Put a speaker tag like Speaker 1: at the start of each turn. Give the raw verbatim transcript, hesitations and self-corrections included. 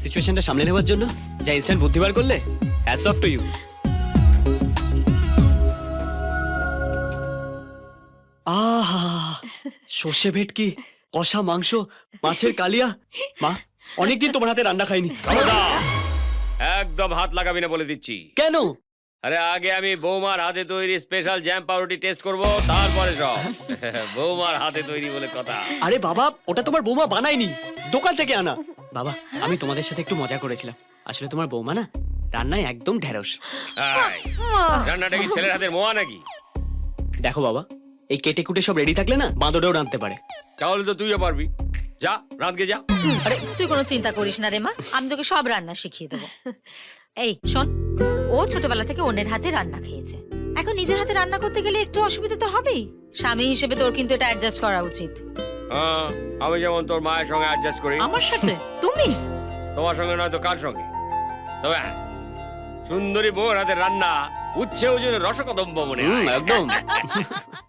Speaker 1: সিচুয়েশনটা সামলে নেওয়ার জন্য যা ইনস্ট্যান্ট বুদ্ধি বার করলে, হ্যাটস অফ টু ইউ। আহা, সর্ষে ভেটকি, কষা মাংস, মাছের কালিয়া। মা, অনেকদিন তোমার হাতে রান্না খাইনি।
Speaker 2: একদম হাত লাগাবি না বলে দিচ্ছি।
Speaker 1: কেন?
Speaker 2: আরে আগে আমি বৌমার হাতে তৈরি স্পেশাল জ্যাম পাউরুটি টেস্ট করব, তারপরে সব। বৌমার হাতে তৈরি বলে কথা।
Speaker 1: আরে বাবা, ওটা তোমার বৌমা বানায়নি, দোকান থেকে আনা। বাবা, আমি তোমাদের সাথে একটু মজা করেছিলাম, আসলে তোমার বৌমা না রান্নায় একদম ঢেঁড়স।
Speaker 2: এই, রান্নাটা কি ছেলের হাতের মোয়া নাকি?
Speaker 1: দেখো বাবা, এই কেটে কুটে সব রেডি থাকলে না বাঁদরেও রাঁধতে পারে।
Speaker 2: তাহলে তো তুইও পারবি, যা রাঁধকে যা।
Speaker 3: আরে তুই কোনো চিন্তা করিস না রে মা, আমি তোকে সব রান্না শিখিয়ে দেবো। এই শোন, ও ছোটবেলা থেকে অন্যের হাতে রান্না খেয়েছে, এখন নিজের হাতে রান্না করতে গেলে একটু অসুবিধা তো হবেই। স্বামী হিসেবে তোর কিন্তু এটা অ্যাডজাস্ট করা উচিত।
Speaker 2: হ্যাঁ, আমি যেমন তোর মায়ের সঙ্গে অ্যাডজাস্ট করি।
Speaker 3: আমার সাথে তুমি?
Speaker 2: তোমার সঙ্গে নয় তো কার সঙ্গে? তবে হ্যাঁ, সুন্দরী বউর হাতে রান্না উচ্ছে ওজনে রসকদম্ব মনে হয়।
Speaker 1: একদম।